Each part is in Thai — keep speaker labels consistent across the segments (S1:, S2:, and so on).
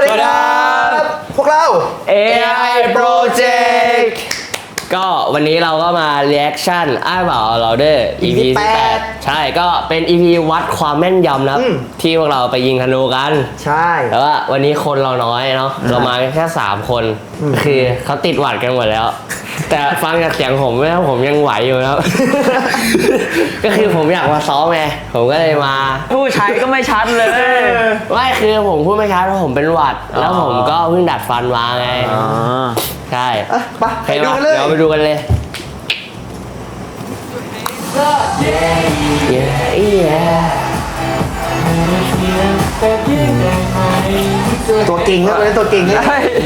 S1: วัสดีครับพวกเรา
S2: AI Project ก็วันนี้เราก็มาเรีแอคชั่นอ้ายบ่าวเราเด้อ EP ที่8ใช่ก็เป็น EP วัดความแม่นยำนะครับที่พวกเราไปยิงธนูกัน
S1: ใช่
S2: แต่ว่าวันนี้คนเราน้อยเนาะเรามาแค่3คนคือเขาติดหวัดกันหมดแล้วแต่ฟังจากเสียงผมแล้วผมยังไหวอยู่แล้ว ก็คือผมอยากมาซ้อมไงผมก็เลยมา
S3: ผู้ใช้ก็ไม่ชัดเลย
S2: ไม่คือผมพูดไม่ชัดเพราะผมเป็นหวัดแล้วผมก็เพิ่งดัดฟันมาไงใช่
S1: ไปดูกันเลย
S2: เดี๋ยวไปดูกันเลย
S1: ตัวเก่งครับเป็นตัวเก่งนะ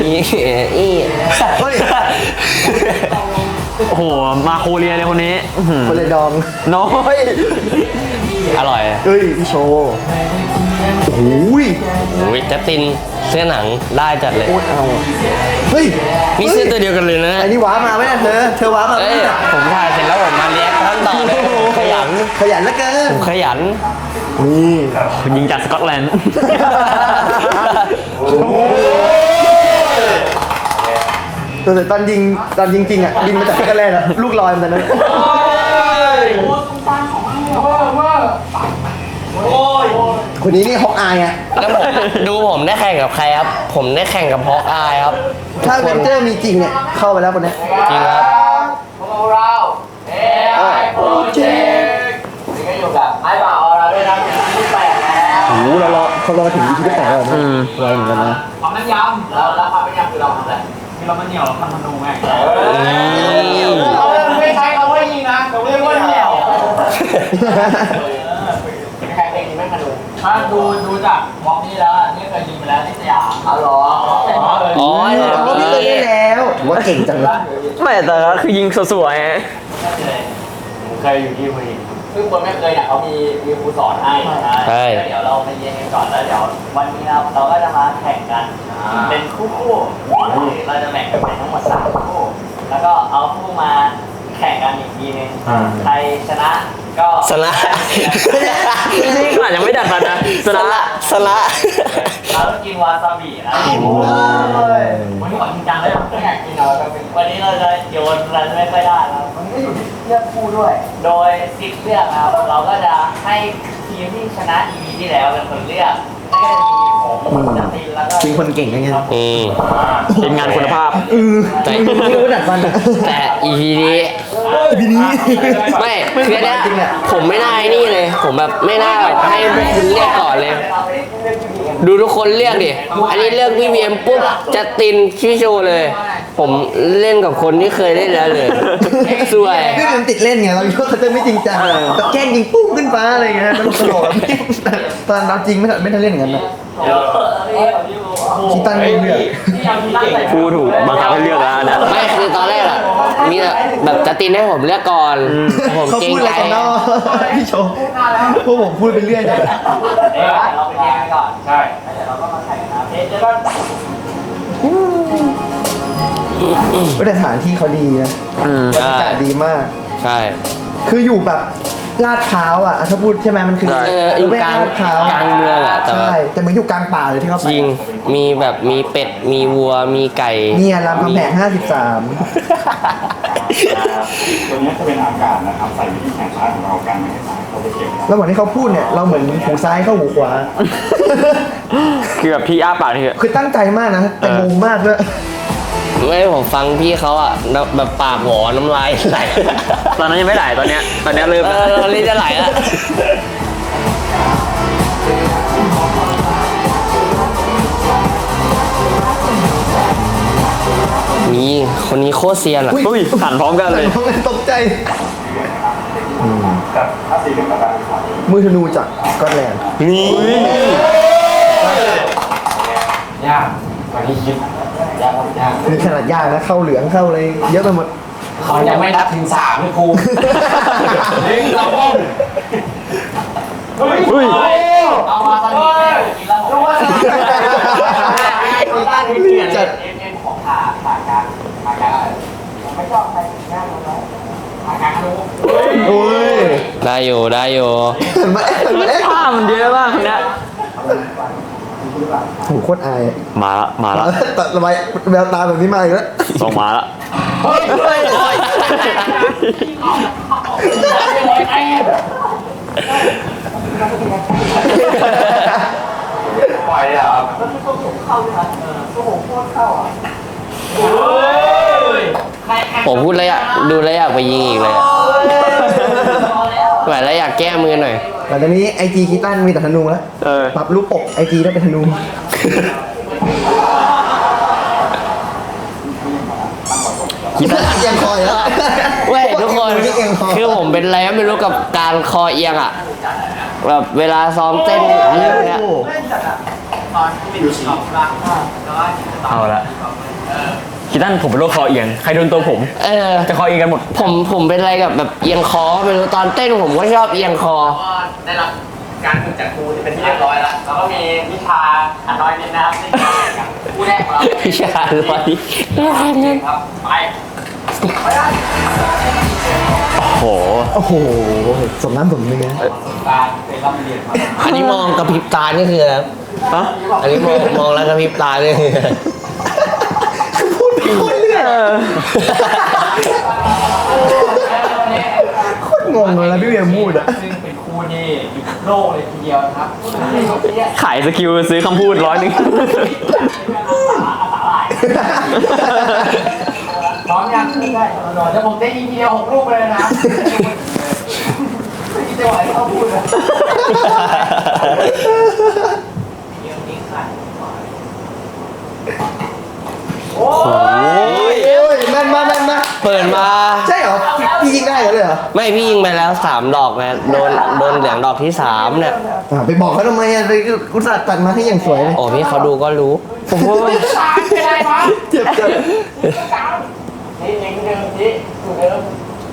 S3: โอ้โหมาโคเรียเลยคนนี้
S1: คนเลยดอง
S3: น้อย
S2: อร่อย
S1: เฮ้ยพี่โชว์โอ้โห
S2: จัสตินเสื้อหนังได้จัดเลย
S1: โคตรเอาเฮ้ย
S2: นี่เสื้อตัวเดียวกันเลยนะ
S1: ไอ้นี่ว้ามาไหมเนี่ยเธอว้ามาไหม
S2: ผมถ่ายเสร็จแล้วผมมาเรียกท่านต่อเลยขยัน
S1: แล้วกัน
S2: ผมขยัน
S1: นี่
S3: ยิงจากสกอตแลนด์
S1: แต่ตอนยิงจริงอ่ะยิงมาจากสกอตแลนด์อะลูกลอยมันนั้นคนนี้นี่ฮอกอายอ่ะ
S2: แล้วผมได้แข่งกับใครครับผมได้แข่งกับฮอกอายครับ
S1: ถ้าเวนเจอร์มีจริงเนี่ยเข้าไปแล้วคนนี้
S2: จริงครับ
S4: พวกเรา AI Project นี่ก็อยู่กับไอ้บ่าวเราด้วยนะที่8แล้ว
S1: โอ้โหเขารอถึงที่8แล้วนะรอเหมือนกันนะ
S4: ความแม่นยำแล้วความแม่นยำคือเราทำอะไรคือเรามันเหนียวเราทำธนูไงเราไม่ใช้เขาว่ายิงนะเราเรียกว่าเหนียวแข่งเองไม่ธนูถ้าดูจากวอล์กนี้แล้วนี่เคยยิงไปแล้วที่สยามอ๋อเหรอ
S2: อ๋อ
S1: เขาไม่เคยเล่นแล้วถือว่าเก่งจังเลย
S3: ไม่แต่ก็คือยิงสวย
S4: ผมเคยอยู่ที่วีคือคนไม่เคยเนี่ยเขามีครูสอนให้ใช่เดี๋ยวเราไปเรียนกันก่อนแล้วเดี๋ยววันนี้เราก็จะมาแข่งกันเป็นคู่เราจะแบ่งกันเป็นทั้งหมด3คู่แล้วก็เอาคู่มาแข่งกันอีกทีนึงใครชนะก็
S2: สละ
S3: นี่ขนาดยังไม่ดัดฟันนะ
S2: สละ
S4: เราต้องกินวาซาบินะวันนี้ขอจริงจังเลยไม่อยากกินเราวันนี้เราจะโยนอะไรไม่ค่อยได้แล้ววันนี้ก็อยู่ที่เลือกคู่ด้วย โดย10เลือกนะครับเราก็จะให้ทีมที่ชนะ EP ที่แล้วเป็นคนเลือกแล้วก็จะมีผมจัสตินแล้วก็
S1: เป็นคนเก่งไง
S3: เป็นงานคุณภาพ
S2: แต่
S1: ไม่รู้ดัดฟัน
S2: แต่ EP นี้ไม่คือเนี้ยผมไม่น่านี่เลยผมแบบไม่น่าแบบให้คุณเรียกก่อนเลยดูทุกคนเรียกดิอันนี้เลือกพี่เวียมปุ๊บจัสตินพี่โชเลย ผมเล่นกับคนที่เคยเล่นแล้วเลยสวย
S1: พี่มันติดเล่นไงเราคิดว่าเขาจะไม่จริงจังแต่แกล้งยิงปุ้งขึ้นฟ้าอะไรเงี้ยตลกตอนเราจริงไม่ทันเล่นอย่างนั้นนะคิดตั้งเลือก
S3: พูดถูกบังคับให้เลือกแล้วนะ
S2: ไม่คือตอนแรกอะมีแบบจัสตินให้ผมเลือกก่อนผมเกรงใจ
S1: พี่โชพวกผมพูดไปเรื่อย
S4: เราไปแข่งก่อนใช่เดี๋ยวเราก็มาแข่งนะเพจแล้ว
S1: แต่สถานที่เขาดีนะบรรยากาศดีมาก
S2: ใช่
S1: คืออยู่แบบลาดพร้าวอ่ะถ้าพูดใช่ไหมมันคือ
S2: อยู่กลางเมืองอ่ะ
S1: ใช่แต่เหมือนอยู่กลางป่าเลยที่เขาไป
S2: จริงมีแบบมีเป็ดมีวัวมีไก่
S1: เนี่ยรามคำแหง53
S5: ตัวนี้จะเป็นอากาศนะครับใส่วิธีแข่งซ้ายของเรากันไม่ให้ซ้ายเขาไปเก็บ
S1: แล้วเหมือนที่เขาพูดเนี่ยเราเหมือนหูซ้ายเข้าหูขวา
S3: คือแบบพี่อ้าปากนี่
S1: คือตั้งใจมากนะแต่งงมากด้วย
S2: ไม่ผมฟังพี่เขาอะแบบปากหวอน้ำลายไหล
S3: ตอนนั้นยังไม่ไหลตอนเนี้ยเริ่ม
S2: ตอนนี้จะไหลแล้วนี่คนนี้โคตรเซียนอะ
S3: อุ้ยหันพร้อมกันเลย
S1: ตกใจ
S5: กับถ้าสีเหลืองกับการ
S1: มือธนูจากสกอตแลนด์
S2: นี่
S5: ยากกว่าที่คิด
S1: นี่ขนาดยากนะเข้าเหลืองเข้าอะไรเยอะไปหมด
S4: เขายังไม่นับถึง3เลยครูเราต้องเอามาตอนนี้กินแล้วผมว่าจัดของขากลางไม่ชอบใครหน้าลงแล้วขากลางรู้
S1: โอ้ย
S2: ได้อยู่
S1: มัน
S3: ผ้ามันเยอะมากนะ
S1: โหโคตรอายอะ
S3: มาละ
S1: ตัดระบายแววตาแบบนี้มาอีกแล้ว
S3: ส่งมาละ
S5: ปล่อยเลยครับ
S2: ผมพูดแล้วอยากดูแล้วอยากไปยิงอีกเลยอะแบบแล้วอยากแก้มือหน่อย
S1: แต่ตอนนี้ไอจีคิดตั้นมีแต่ธนูแล้ว
S3: เออ
S1: ปรับรูปปกไอจีได้เป็นธนู
S3: คิดว่า
S1: เอียงคอยแล้ว
S2: เว้ยทุกคน
S1: เอียงคอ
S2: คือผมเป็นอะไรก็ไม่รู้กับการคอเอียงอ่ะแบบเวลาซ้อมเต้นอะไรพวกเนี้ย
S1: โอ้โห
S3: เอาละคิดตั้นผมเป็นโรคคอเอียงใครโดนตัวผม
S2: เออ
S3: จะคอเอียงกันหมด
S2: ผมเป็นอะไรกับแบบเอียงคอไม่รู้ตอนเต้นผมก็ชอบเอียงคอ
S4: ก็ได้รับการฝึกจากครูที่เป็นที่เรียบร้อยแล้วแล้วก็มีวิชาอันน้อยนิดนะครับที่ครูแรกของเรา
S2: วิชาอะไรนั่น
S4: ครับไป
S3: โห
S1: โอ้โหสมน้ำสมเนื้อ
S4: การเป็นรับเรียนมา
S2: อันนี้มองกระพริบตานี่คืออะไร
S3: ฮะ
S2: อันนี้มองแล้วกระพริบตานี่คืออะไร
S1: พูดผิดคนเรื่อยโคตรงงเลยนะพี่เวียพูดอะ
S4: ซึ่งเป็นครูนี่อยู่โลกเลยทีเดียวนะครับ
S3: ขายสกิลซื้อคำพูด100
S4: พร้อมยังได้เดี๋ยวผมได้ยินทีเดียว6 ลูกเลยนะไม่คิดจะไหวเขาพูดเลยโอ้ย
S1: โอ้ยแม่นมาแม่นมา
S2: เปิดมา
S1: ใช่เหรอพี่ยิงได้เหรอเลยเหรอ
S2: ไม่พี่ยิงไปแล้ว3 ดอกนะโดนเหลืองดอกที่ 3เนี่ย
S1: ไปบอกเขาทำไมอะไปกุศลตัดมาให้อย่างสวยเลย
S2: โอ้พี่เขาดูก็รู้
S1: โอ้โห
S4: เป็นไรวะ
S1: เจ็บจัง
S4: นี่เองเดิมนี่ถูกเดิม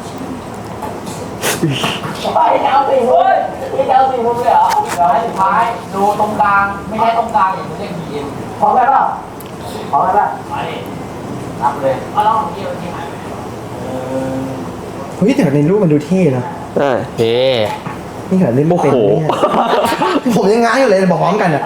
S4: ไปเอาสิเว้ยนี่เอาสิมุมเลยเหรอเดี๋ยวให้สุดท้ายดูตรงกลางไม่ใช่ตรงกลางอย่างเรียกบีเอ็มพร้อมกันป่ะพร้อมกันป่ะมาดิรับเลยเอาลองของพี่เอาที่ไหน
S1: เฮ้ยแต่ในรูปมันดูเท่นะ
S3: เออ
S2: เฮ้
S1: นี่ขนาดเล่นไม่
S3: โอ้
S1: เป็น
S3: โห
S1: เนี่ยผมยังง้างอยู่เลยบอกพร้อมกันอะ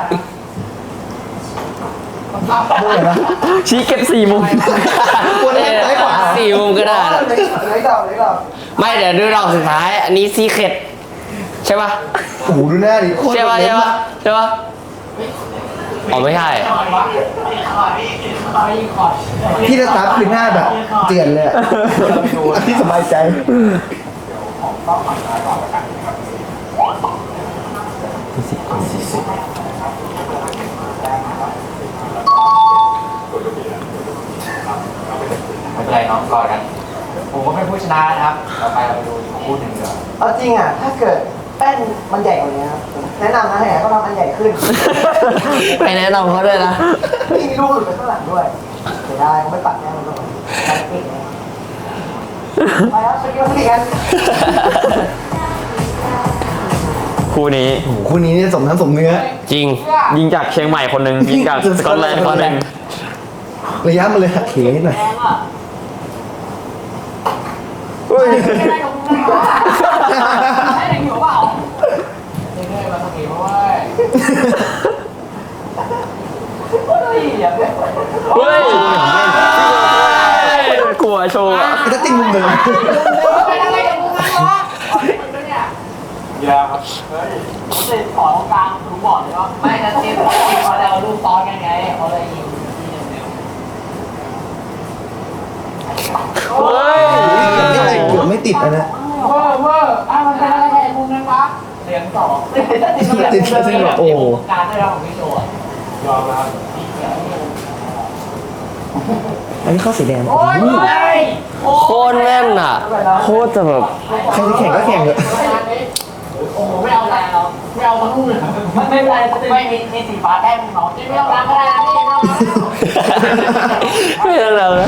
S1: เมื่อไหร่นะ
S3: ชี้เก็บ4 มุม
S1: ควรเล่นซ้ายขวา
S2: 4 มุมก็ได้นะ
S1: ไหนดอกไหนดอก
S2: ไม่เดี๋ยวดูดอกสุดท้าย อันนี้ซีเคร็ดใช่ปะ
S1: โอ้โหดูหน้าดิโคตร
S2: ใช่ปะ
S1: เล็
S2: ใช่
S1: บ
S2: ปะ
S1: อะ
S2: ใช่ปะอ๋อไม่ใช่
S1: พี่จะตับคือหน้าแบบเจือนเลยอะพี่สบายใจ
S4: ไม่เป็นไรน้องกอดกันผมก็เป็นผู้ชนะนะครับต่อไปเราไปดูอีกคู่หนึ่งเดี๋ยว
S1: เอาจริงอ่ะถ้าเกิดแป้นมันใหญ่กว่านี้ครับแนะนำนะให้เขาทำอันใหญ่ขึ้น
S2: ไปแนะนำเขาด้วยนะ
S1: นี่มีลูกหลุดไปข้างหลังด้วยเสียดายเขาไม่ปัดแน่มันต้องปัดปิดเลยไปครับไปกินข้าวกัน
S3: คู่นี้
S1: โอ้โหคู่นี้เนี่ยสมน้ำสมเนื้อ
S2: จริง
S3: ยิงจากเชียงใหม่คนหนึ่งยิงจากสกอตแลนด์คนหนึ่ง
S1: ระยะมันเลยหักเหนิดหน่อยเฮ้ย
S4: ไม่ได้ของมึงนะไม่ได้อยู่เปล่าเรื่อยๆมาสักทีเพราะว่าเฮ้ยอย่าเพิ่ง
S3: เฮ้ยกลัวโชว์อะ
S1: จะติ่งมุมเดิม
S4: เป็นอะไรกับมึงวะเนี่ยอย่าครับเฮ้ยผมติดขอตรงกลางรู้บอกเลยว่าไม่นะทีมเขาเอาลูกซ้อนกันไงเขาเลยยิงที่เดียว
S3: เฮ้ย
S1: เกือบไม่ติดอะนะ
S4: เวอร์มันเป็นอะไรแทนมุมนั้นวะเสียงสองติดโอ้การได้รับของพี่โจยอมรับ
S1: อันนี้ข้อสีแดง
S4: โอ้ย
S2: โคตรแม่นอ่ะ
S3: โคตรจะแบบ
S1: ใครจะแข่งก็แข่งเถอะ
S4: โอ้โหไม่เอาแรงเราไม่เอาทั้งคู่เลยไม่เป็นไรไม่มีสีฟ้าแต้มน้องที่ไม่เอาล้างก็ได้นี่ไม่เอา
S2: ไม่เป็นไรนะ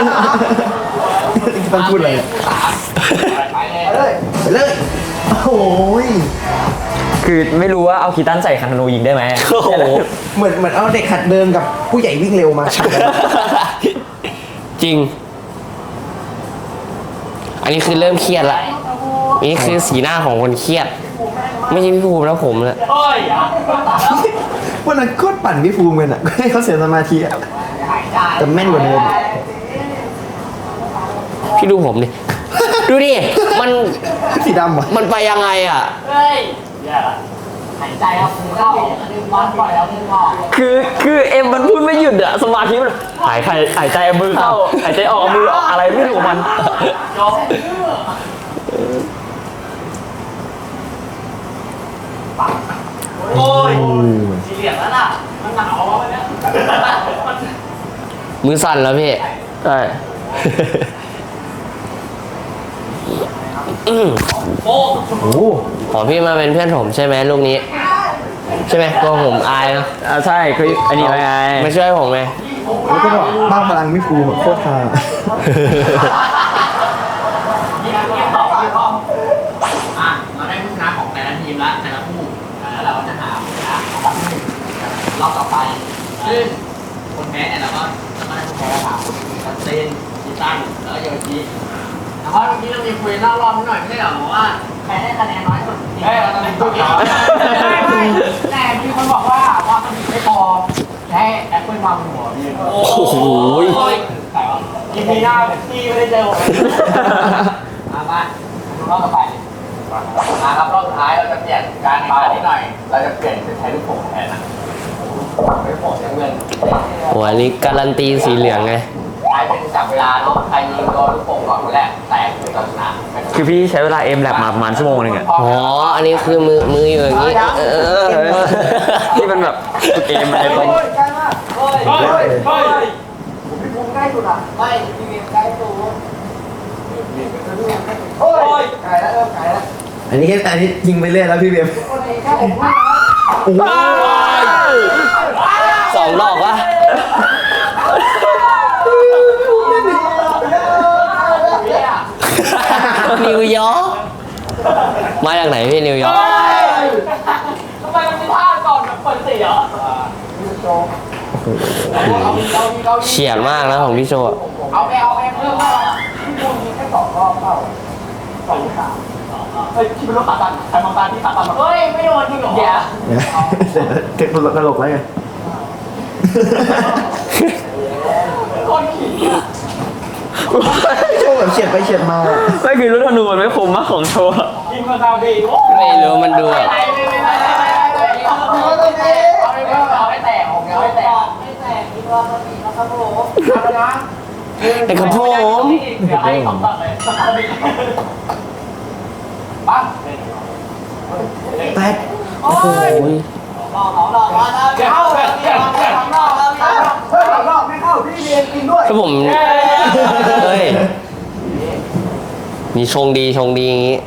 S1: ต้องพูดอะไรเนี่ย
S4: ไปเลย
S1: ไปเลยโอ้ย
S3: คือไม่รู้ว่าเอาคีตันใส่คันธนูยิงได้ไหม
S2: โอ้โห
S1: เหมือนเอาเด็กหัดเดินกับผู้ใหญ่วิ่งเร็วมาชักกัน
S2: จริง อันนี้คือเริ่มเครียดละนี่คือสีหน้าของคนเครียด ไม่ใช่พี่ภูมิแล้วผมเลย
S4: โอ้ย
S1: วันนั้นโคตรปั่นพี่ภูมิกันอ่ะให้เขาเสียสมาธิอ่ะแต่แม่นกว่าเดิม
S2: พี่ดูผมดิ ดูดิ มัน
S1: สีดำอ่ะ
S2: มันไปยังไงอ่ะ
S4: เฮ้ยแย่ละหายใจครับคุณเข้าดึงบอลปล่อยแล้วคุณออก
S3: คือเอ็มมันพูดไม่หยุดอะสมาธิมันหายใจเอามือเข้าหายใจออกเอามือออกอะไรไม่รู้ของมัน
S4: จบโอ้ยสีเหลืองแล้วน่ะมันหนาวอ่ะวันเนี้ย
S2: มือสั่นแล้วพี่
S3: ใช่
S4: โอ้
S1: โอ้โห
S2: ขอพี่มาเป็นเพื่อนผมใช่ไหมลูกนี้ ใช่ไหมกลัวผมอายเนอะ
S3: ใช่คืออันนี้ไง
S2: ไม่ช่วยผมไง
S1: แล้วก็บอกบ้างพลังพี่ภูมิแบบโคตรฮา
S4: ยี่ต่อยี่ต่อเราได้ผู้ชนะของแต่ละทีมละแต่ละคู่แล้วเราก็จะหาผู้ชนะของวันที่หนึ่งรอบต่อไปซึ่งคนแพ้เนี่ยเราก็จะมาได้ผู้แพ้ถามคนเซนกีตันแล้วก็โยชิแต่ว่าเมื่อกี้เรามีคุยนอกรอบนิดหน่อยไม่ใช่เหรอว่าใครได้คะแนนน้อยสุดเฮ้ยเราต้องเป็นตัวเดียวไม่แต่มีคนบอกว่ามันไม่พอใช้แอปเปิลวางบนหัวพี่โอ้โหยิงปีหน้าพี่ไม่ได้เจอผมมาดูรอบต่อไปครับรอบสุดท้ายเราจะเปลี่ยนการเป่านิดหน่อยเราจะเปลี่ยนเป็นใช้ลูกโป่งแทนนะลูกโป่งสีเงิน
S2: โอ้อันนี้การันตีสีเหลืองไง
S4: ใครเป็นจับเวลาเนาะใครยิงโดนลูกโป่งก่อนคนแรกแตกคือเราชนะ
S3: คือพี่ใช้เวลาเอ็มแลบมาประมาณชั่วโมงนึงอะ
S2: อ๋อ อันนี้คือมืออยู่อย่างนี้
S3: นี่มันแบบเกมอะไรตรง
S4: ใกล้มากเฮ้ยพี่ภูมิใกล้สุดอ่ะไม่พี่เวียนใกล้สุดโอ้ยไก่แล้วไก่แล้ว
S1: อันนี้ยิงไปเรื่อยแล้วพี่เบียม
S4: คนนี้แค่ผมว่า
S1: โอ้โห
S2: สองดอกวะนิวยอร์กมาจากไหนพี่นิวยอร์ก
S4: ทำไมมันมีท่าก่อนแบบเปิดสีเหรอ
S2: เฉียดมากนะของพี่โชว์
S4: เอาไปเพิ่มมาพี่ภูมิมีแค่2 รอบเปล่า2 3เฮ้ยที่เป็นรถขาตันใครมองตาที่ขาตันเฮ้ยไม่โดนจริงเหรออย่า
S1: เก็บตลกแล้วไง
S4: คนขี่อ่ะ
S1: โชว์แบบเฉียดไปเฉียดมา
S3: ไม่คือรุ่นธนูมันไม่คมมากของโชว์
S4: ยิงมาซาบีโอ้
S2: ไม่รู้มันดูแบบ
S4: เอาให้แตกผมเอาให้แตกไม่แตกอีกรอบนึงนะครับผมเอาละนะ
S2: แต่กับผม
S4: เดี๋ยวให้ของต่อเลยซาบีปั๊บ
S1: แตก
S4: โอ้ยรอมาแล้วเดี๋ยวเข้าเดี๋ยวรอบไม่เข้าพี่เรียนกินด้วย
S2: คือผมเฮ้ยมีชงดีอย่างงี้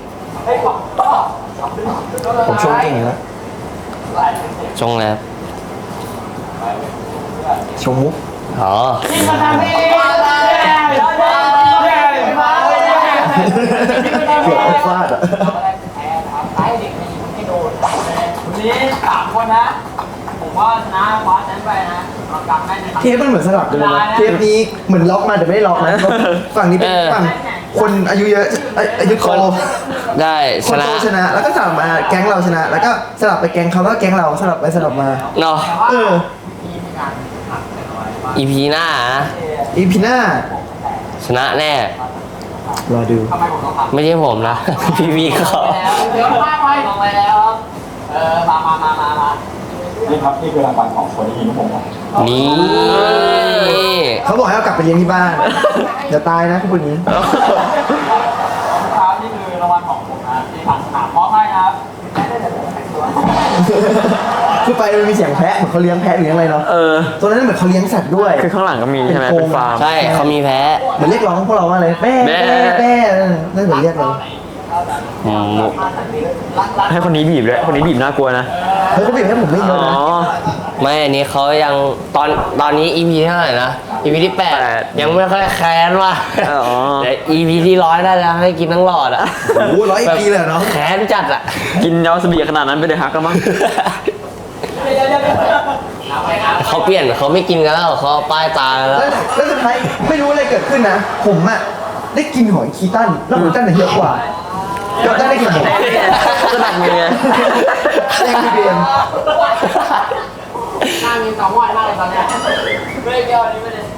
S1: ผมชมเก่งอยู่แล้ว
S2: ชงแล้ว
S1: ชมมุก
S2: อ๋อ
S1: เกือบเอาฟาดอ่ะ
S4: วันนี้3 คนนะ ผมว่าชนะคว้าแชมป์ไปนะเรากลับได้ใน
S1: เทปมันเหมือนสลับกันเลยนะเทปนี้เหมือนล็อกมาแต่ไม่ได้ล็อกนะฝั่งนี้เป็นฝั่งคนอายุเยอะอายุโต
S2: ได้
S1: ค
S2: ช
S1: น
S2: นะ
S1: โตชนะ แล้วก็สลับมาแก๊งเราชนะ แล้วก็สลับไปแก๊งเขาแล้วก็แก๊งเราสลับไปสลับมา
S2: เนาะ
S1: เออ
S2: อีพีหน้านะ
S1: อีพีหน้า
S2: ชนะแน่
S1: รอดู
S4: ทำไมผมต้องทำ
S2: ไม่ใช่ผมนะ พี่เขา
S4: เดี๋ยวมาไปลงไปแล้วมา
S5: นี่ครับนี่คือรางวัลของคนที่ยิงลูกโป่ง
S2: นี่
S1: เขาบอกให้เอากลับไปเลี้ยงที่บ้านอย่าตายนะคุณผู้นี้
S4: ครับนี่คือรางวัลของผมนะที่ผ่านสนามมอบให้ครับ
S1: คือไปมันมีเสียงแพะเหมือนเขาเลี้ยงแพะหรือยังไงเนาะ ตัวนั้นเหมือนเขาเลี้ยงสัตว์ด้วย
S3: คือข้างหลังก็มีใช่ไหม
S1: เป็นโครง
S3: เป็นฟาร์ม
S2: ใช่เขามีแพ้
S1: เหมือนเรียกร้องพวกเราว่าอะไรแม่
S3: แม่
S1: แม่นั่นเหมือนเรียกเรา
S3: ให้คนนี้บีบด้วยคนนี้บีบน่ากลัวนะ
S1: เฮ้ยเขาบีบให้ผมไม่เย
S3: อ๋
S1: อะ
S3: อ
S1: นะ
S2: ไม่อันนี้เขายังตอนนี้ EP เท่าไหร่นะ EP ที่
S3: 8
S2: 8 ยังไม่ค่อยแค้นว่ะ
S3: อ๋อ
S2: แต่ EP ที่100ได้แล้วให้กินทั้งหลอดอ่ะ
S1: โอ้โห100 ปีเลยเนาะ
S2: แค้นจัดอ่ะ
S3: กินยาสบีขนาดนั้นไปเลยฮักก็มั้ง
S2: เขาเปลี่ยนเขาไม่กินกันแล้วเขาเอาป้ายตากันแล้ว
S1: แล้วสุดท้ายไม่รู้อะไรเกิดขึ้นนะ ผมอะได้กินหอยคีตันแล้วคีตันเนี่ยเยอะกว่าคีตันได้กินผม
S3: จะหนักมือไง
S1: แย่งพี่เบียม
S4: หน้ามี2วันมากเลยตอนเนี้ยไม่ได้เกี่ยวนี้ไม่ได้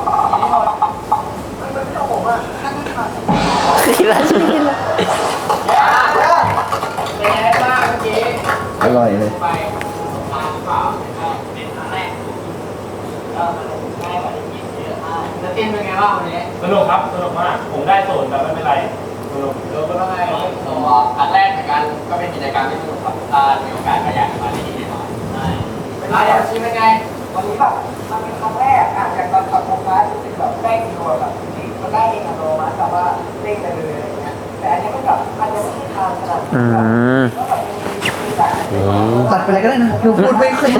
S4: เป็นไงบ้างเมื่อกี้
S1: อร่อยเลย
S4: ไปทางเปล่าเป็นครั้งแรกก็มันง่ายกว่าที่คิดเยอะมากแล้วเต้นเป็นไงบ้างวันนี้
S6: สนุกครับสนุกมาก ผมได้ศูนย์แต่ไม่เป็นไรสนุก
S4: เราก็ต้องให้ตัวครั้งแรกเหมือนกันก็เป็นกิจกรรมที่สนุกครับถ้ามีโอกาสก็อยากมาที่นี่แน่นอนใช่เดี๋ยวชิมเป็นไง
S7: วันนี้แบบมันเป็นครั้งแรกอย่างตอนขับโฟกัสรู้สึกแบบแรกกิโลแบบมันได้เองอัตโนมัติแบบว่าเร่งไปเลยอะไรเงี้ยแต่อันนี้มันแบบมันยังไม่ใช่ทางขนาดนั้นก็แบบมีแบบ
S1: ตัดไปเลยก็ได้นะดูพูดไม่ค่อย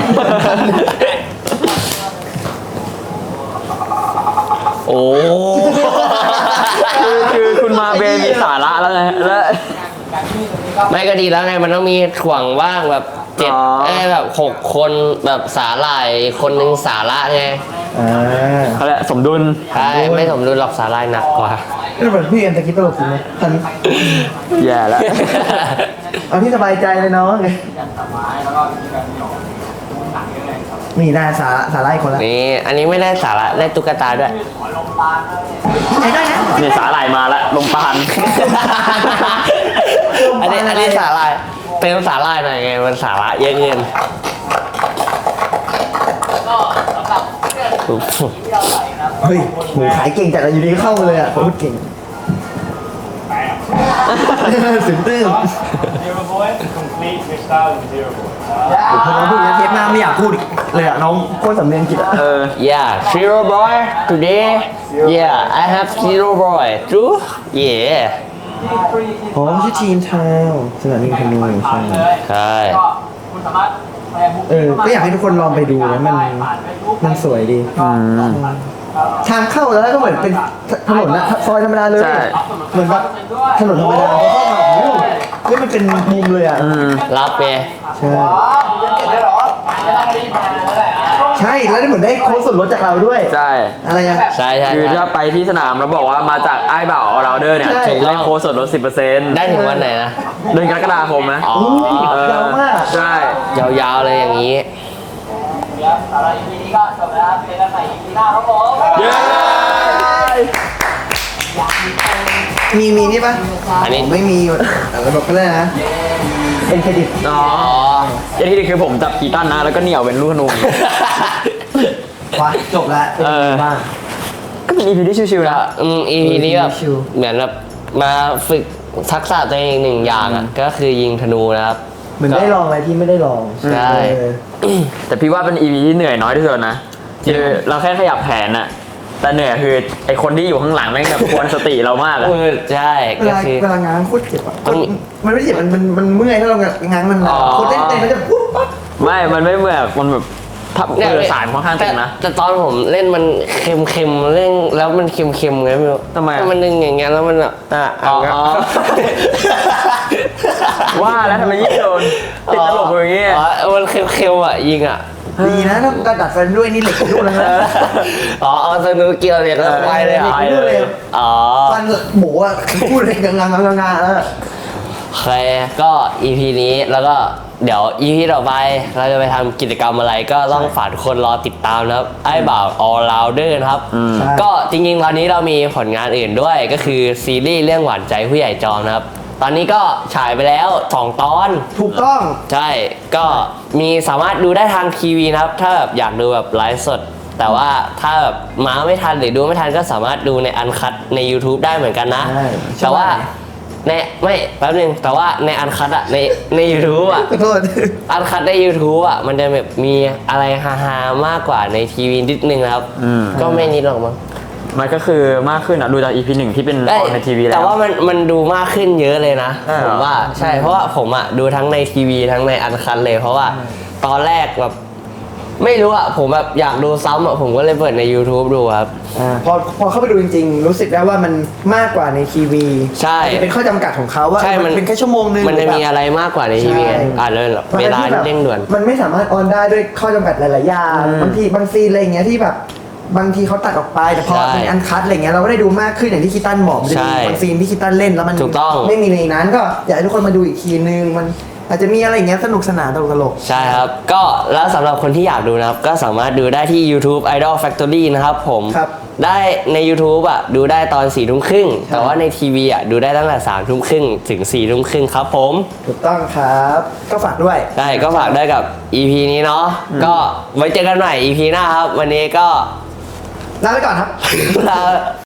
S3: โอ้คือคุณมาเบมีสาระแล้วไงแล้ว
S2: ไม่ก็ดีแล้วไงมันต้องมีถ่วงว่างแบบ7
S3: อ๋อ
S2: แบบ6 คนแบบสาหร่ายคนหนึงสาระไง
S3: เขาเรียกสมดุล
S2: ใช่ไม่สมดุลหรอกสาหร่ายหนักกว่า
S1: นี่เหมือนพี่เอ็มตะกี้ตลกจริงไหมทัน
S3: แย่แล้ว
S1: เอาที่สบายใจเลยเนาะ
S4: กันตัดไม้แล้วก็วิธีการหยอดหนังเยอะเลยครับ
S1: นี่ได้สาระอีกคนละ
S2: นี่อันนี้ไม่ได้สาระได้ตุ๊กตาด้วย
S4: ขอลงปานแล้วเนี่ย
S1: ใช้ได้นะ
S3: นี่สาหร่ายมาแล้วลมปาน
S2: อันนี้สาหร่ายเติมสาหร่ายหน่อยไงมันสาระเยอะเงิน
S4: ก็สำหรับเพื่อนที่เราใส่นะ
S1: เฮ้ยหมูขายเก่งจัดเลยอยู่ดีเข้ามาเลยอ่ะพูดเก่งสุดตื้ม
S6: Zero boy complete freestyle in zero boy
S1: พอน้องพูดอย่างนี้เทปหน้าไม่อยากพูดอีกเลยอ่ะน้องโคตรสำเนียงจิตอ่ะ
S2: Yeah zero boy today yeah I have zero boy true yeah
S1: อ๋อชื่อทีนทาวสนามบินพนูใช่
S2: ใช่
S4: ก็คุณสามารถแปลบุ๊ก
S1: ก็อยากให้ทุกคนลองไปดูนะมันสวยดี ทางเข้าแล้วก็เหมือนเป็นถนนนะซอยธรรมดาเลย
S3: ใช่
S1: เหมือนแบบถนนธรรมดาเขาเข้ามาโอ้โหเฮ้ยมันเป็นมุมเลยอ่ะ
S2: รับไง
S1: ใช่
S7: เก็บได้หรอ
S4: ไม่ต้องรีบมาแล้วแหละ
S1: ใช่แล้วได้เหมือนได้โค้ดส่วนลดจากเราด้วย
S3: ใช่
S1: อะไรอ่ะ
S2: ใช่ใช่
S3: คือถ้าไปที่สนามแล้วบอกว่ามาจากไอ้บ่าวเราเดอร์เนี่ย
S1: ใช่
S3: ถึงได้โค้ดส่วนลด 10%
S2: ได้ถึงวันไหนนะ
S3: เดือนกรกฎาคมนะ
S2: อ๋อ
S1: ยาวมาก
S3: ใช่
S2: ยาวๆเลยอย่างนี้
S4: เดี๋ยวสำหรับ EP นี้ก็จบแล้วเจอกันใหม่ EP หน้าครับผม
S3: เย้
S1: มีนี่ปะ
S2: อันนี้
S1: ผมไม่มีระบบก็เลยนะเป็นเครดิต
S3: อ๋ออย่างที่ดีคือผมจับกีตันนะแล้วก็เหนี่ยวเป็นลูกธนู
S1: ว่ะจบแล้วเป็น
S3: เออ
S1: ไงบ้าง
S3: ก็เป็น EP ที่ชิวๆนะ
S2: EP นี้แบบ
S1: ชิว
S2: เหมือนแบบมาฝึกทักษะตัวเองหนึ่งอย่างอ่ะก็คือยิงธนูนะครับ
S1: เหมือนได้ลองอะไรที่ไม่ได้ลอง
S2: ใช่
S3: แต่พี่ว่าเป็น EP ที่เหนื่อยน้อยที่สุดนะคือเราแค่ขยับแผนอะแต่เหนื่อยคือไอคนที่อยู่ข้างหลังแม่งแบบควรสติเรามากอะ
S2: ใช่
S1: เว
S2: ก็
S1: ลา
S2: คือ
S1: เวลาง้างโคตรเจ็บอ่ะ
S2: ต้อง
S1: มันไม่ได้เจ็บมันเมื่อยถ้าเราง้างมัน
S3: อ๋อ
S1: โคตรเต้นมันจะปุ๊บปั๊บ
S3: ไม่มันไม่เหมือนมันแบบถ้าสายค่อนข้างตึงนะ
S2: แต่ตอนผมเล่นมันเค็มๆเล่นแล้วมันเค็มๆไงไม่รู้
S3: ทำไมอะ
S2: มันดึงอย่างเงี้ยแล้วมันแบบ
S3: อ๋อ ว่าแล้วทำไมยิ่งโดนติดตลกอย่างเงี้ย
S2: มันเค็มๆอ่ะยิงอ่ะ
S1: ดีนะถ้ากระดัดฟันด้วยนี่เหล็กทุกแล้วนะ
S2: อ๋อเอาสนุกเกี่ยวเลยแล้วไปเลยอ่ะ
S1: ไปเลย
S2: อ๋อ
S1: ฟันหมูอ่ะพูดเลยงางแล้ว
S2: โอเคก็ EP นี้แล้วก็เดี๋ยว EP ต่อไปเราจะไปทำกิจกรรมอะไรก็ต้องฝากทุกคนรอติดตามนะครับไอ้บ่าว all rounder นะครับ ก็จริงๆตอนนี้เรามีผลงานอื่นด้วยก็คือซีรีส์เรื่องหวานใจผู้ใหญ่จอมนะครับ ตอนนี้ก็ฉายไปแล้ว2 ตอน
S1: ถูกต้อง
S2: ใช่ ก็มีสามารถดูได้ทางทีวีนะครับ ถ้าแบบอยากดูแบบไลฟ์สด แต่ว่าถ้าแบบมาไม่ทันหรือดูไม่ทันก็สามารถดูในอันคัตใน YouTube ได้เหมือนกันนะ
S1: ใช่
S2: แต่ว่าในไม่แป๊บนึงแต่ว่าในอันคัตอะใน YouTube อะ
S1: ขอโทษ
S2: อันคัตใน YouTube อะมันจะแบบมีอะไรฮาๆมากกว่าในทีวีนิดนึงนะครับ ก็ไม่นิดหรอกมั้ง
S3: มันก็คือมากขึ้นอ่ะดูจาก EP 1ที่เป็นออนในทีวีแล้ว
S2: แต่ว่ามันดูมากขึ้นเยอะเลยนะ
S3: ใช่เหรอ
S2: ผมว่าใช่เพราะว่าผมอะดูทั้งในทีวีทั้งในอันคัตเลย เพราะว่าตอนแรกแบบไม่รู้อะผมแบบอยากดูซ้ำอะผมก็เลยเปิดใน YouTube ดูครับ
S1: พอเข้าไปดูจริงๆ รู้สึกได้ว่ามันมากกว่าในทีวี
S2: ใช่
S1: จะเป็นข้อจำกัดของเขาว่า
S2: ใช่
S1: มันเป็นแค่ชั่วโมงนึง
S2: มันจะมีอะไรมากกว่าในทีวีไง
S1: ใช่
S2: อ่านเลยเหรอเวลาเร่งด่วน
S1: มันไม่สามารถออนได้ด้วยข้อจำกัดหลายๆอย่างบางซีนอะไรอย่างเงี้ยที่แบบบางทีเขาตัดออกไปแต่พอ
S2: ใช่
S1: เป็นอันคัดอะไรเงี้ยเราก็ได้ดูมากขึ้นอย่างที่คิตันบอกมันจะ
S2: ใช่
S1: มีบางซีนที่คิตันเล่นแล้วมัน
S2: ถูกต้อง
S1: ไม่มีในนั้นก็อยากให้ทุกคนมาดูอีกทีนึงอาจจะมีอะไรอย่างเงี้ยสนุกสนานตลก
S2: ใช่ครับ ก็แล้วสำหรับคนที่อยากดูนะครับ ก็สามารถดูได้ที่ YouTube Idol Factory นะครับผม
S1: ครับ
S2: ได้ใน YouTube อ่ะดูได้ตอน4 ทุ่มครึ่ง แต่ว่าในทีวีอ่ะดูได้ตั้งแต่3 ทุ่มครึ่งถึง4 ทุ่มครึ่งครับผม
S1: ถูกต้องครับ ก็ฝากด้วย
S2: ได้ก็ฝากด้วยกับ EP นี้เนาะ ก็ไว้เจอกันใหม่ EP หน้าครับ วันนี้ก็
S1: ลาไปก่อนครับ
S2: ลา